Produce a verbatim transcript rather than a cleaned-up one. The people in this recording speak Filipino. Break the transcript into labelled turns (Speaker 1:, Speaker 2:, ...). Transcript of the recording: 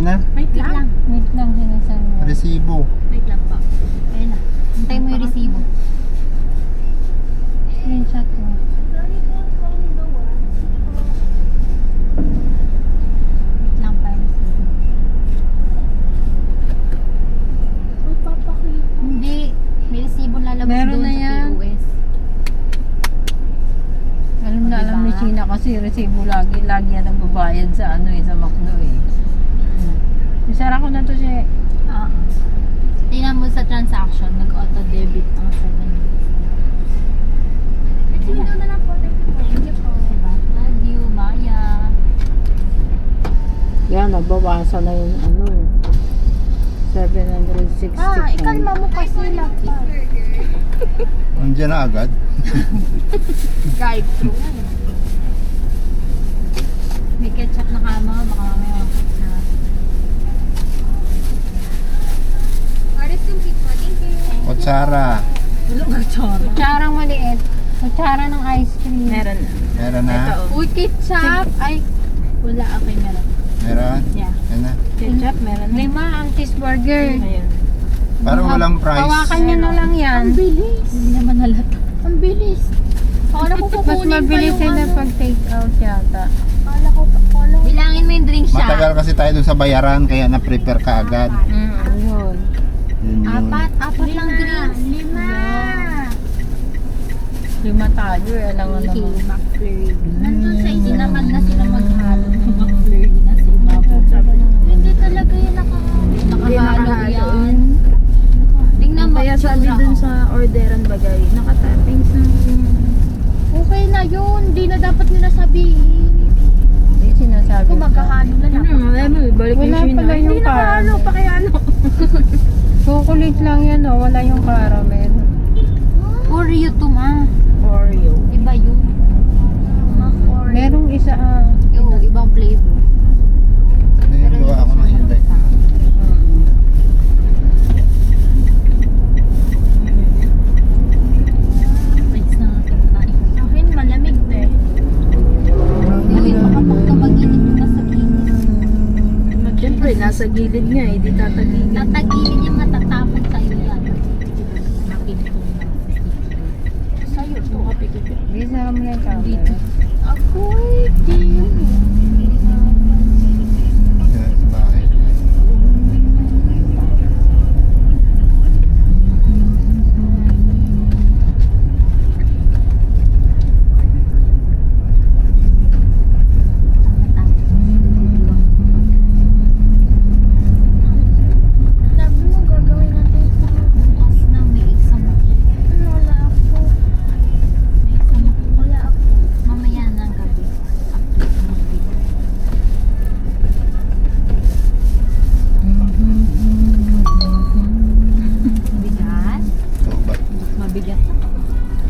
Speaker 1: na.
Speaker 2: Wait lang.
Speaker 3: Wait lang, sinasan mo.
Speaker 1: Resibo.
Speaker 2: Wait lang po. Ayun na.
Speaker 3: Hintay mo yung resibo. Screenshot mo.
Speaker 2: Wait lang pa yung resibo. Hindi. May resibo lalabas
Speaker 3: Meron
Speaker 2: doon
Speaker 3: na
Speaker 2: sa
Speaker 3: yan.
Speaker 2: P O S.
Speaker 3: Alam na alam ni
Speaker 2: Diba?
Speaker 3: China kasi resibo lagi, lagi yan ang babayad sa ano eh, sa McDo eh. Hmm. Isara ko na to siya.
Speaker 2: Ah. Tingnan mo sa transaction, nag-auto-debit ang seven. Nag-window na lang po. Thank you po. Diba? Love you, Maya.
Speaker 3: Yan, nagbawasan na yung ano seven hundred sixty.
Speaker 2: Ah, ikalma mo kasi lang pa.
Speaker 1: Nandiyan na agad.
Speaker 2: Drive-thru. May ketchup na kama, baka mamaya na. Aris yung pizza, thank you.
Speaker 1: Kutsara.
Speaker 2: Tulog ang choro.
Speaker 3: Kutsarang maliit. Kutsara ng ice cream.
Speaker 2: Meron na.
Speaker 1: Meron na.
Speaker 2: Uy, ketchup! Ay, wala. Okay, meron.
Speaker 1: Meron.
Speaker 2: Yeah.
Speaker 1: Yan na.
Speaker 2: Ketchup, meron na.
Speaker 3: Lima ang cheeseburger.
Speaker 2: Ayun.
Speaker 1: Parang walang price.
Speaker 3: Hawakan nyo na lang yan.
Speaker 2: Ang bilis. Hindi naman halata. Ang bilis. Akala ko
Speaker 3: Mas
Speaker 2: kukunin pa
Speaker 3: mabilis
Speaker 2: yung
Speaker 3: sila
Speaker 2: ano.
Speaker 3: pag take out yata.
Speaker 2: Akala ko, akala ko. Bilangin mo yung drink siya.
Speaker 1: Matagal kasi tayo dun sa bayaran kaya na-prepare ka agad.
Speaker 3: Mm, yun.
Speaker 1: Yun yun.
Speaker 2: Apat, apat lang drinks. Lima.
Speaker 3: Lima tayo eh. Alam mo
Speaker 2: Okay,
Speaker 3: naman.
Speaker 2: McFlurry. Nandun sa hindi naman na sila maghalo ng McFlurry na sila. Hindi talaga yun nakahalo. Nakahalo yan. Tingnan mo.
Speaker 4: Kaya sabi
Speaker 2: itsura
Speaker 4: dun
Speaker 2: ko.
Speaker 4: sa orderan bagay, nakatappings na.
Speaker 2: Okay na yun. Hindi na dapat nila sabihin.
Speaker 3: Hindi sinasabi.
Speaker 2: Kung maghahalo na lang.
Speaker 4: Ano, alam mo, balik
Speaker 3: Wala
Speaker 4: yung
Speaker 3: pala yung
Speaker 4: Hindi nakahalo,
Speaker 3: caramel.
Speaker 4: pa kaya ano.
Speaker 3: Chocolate lang yan oh. Wala yung caramel.
Speaker 2: Oreo to ma.
Speaker 4: Oreo.
Speaker 2: Iba yun. Oreo.
Speaker 3: Merong isa ah.
Speaker 2: Yung ibang flavor.
Speaker 1: Ano yung gawa ako ng Hyundai?
Speaker 2: Wait na natin tayo. Sa akin malamig na eh. Bakit makapag tumagilid yung nasa gilid?
Speaker 4: Siyempre, nasa gilid nga eh, di tatagilid.
Speaker 2: Tatagilid yung matatapon sa'yo yan. Nakita ko na. Sa'yo to.
Speaker 4: Kapikit.
Speaker 3: Hindi, sarap mo na yung caramel.
Speaker 2: Dito. Ako'y di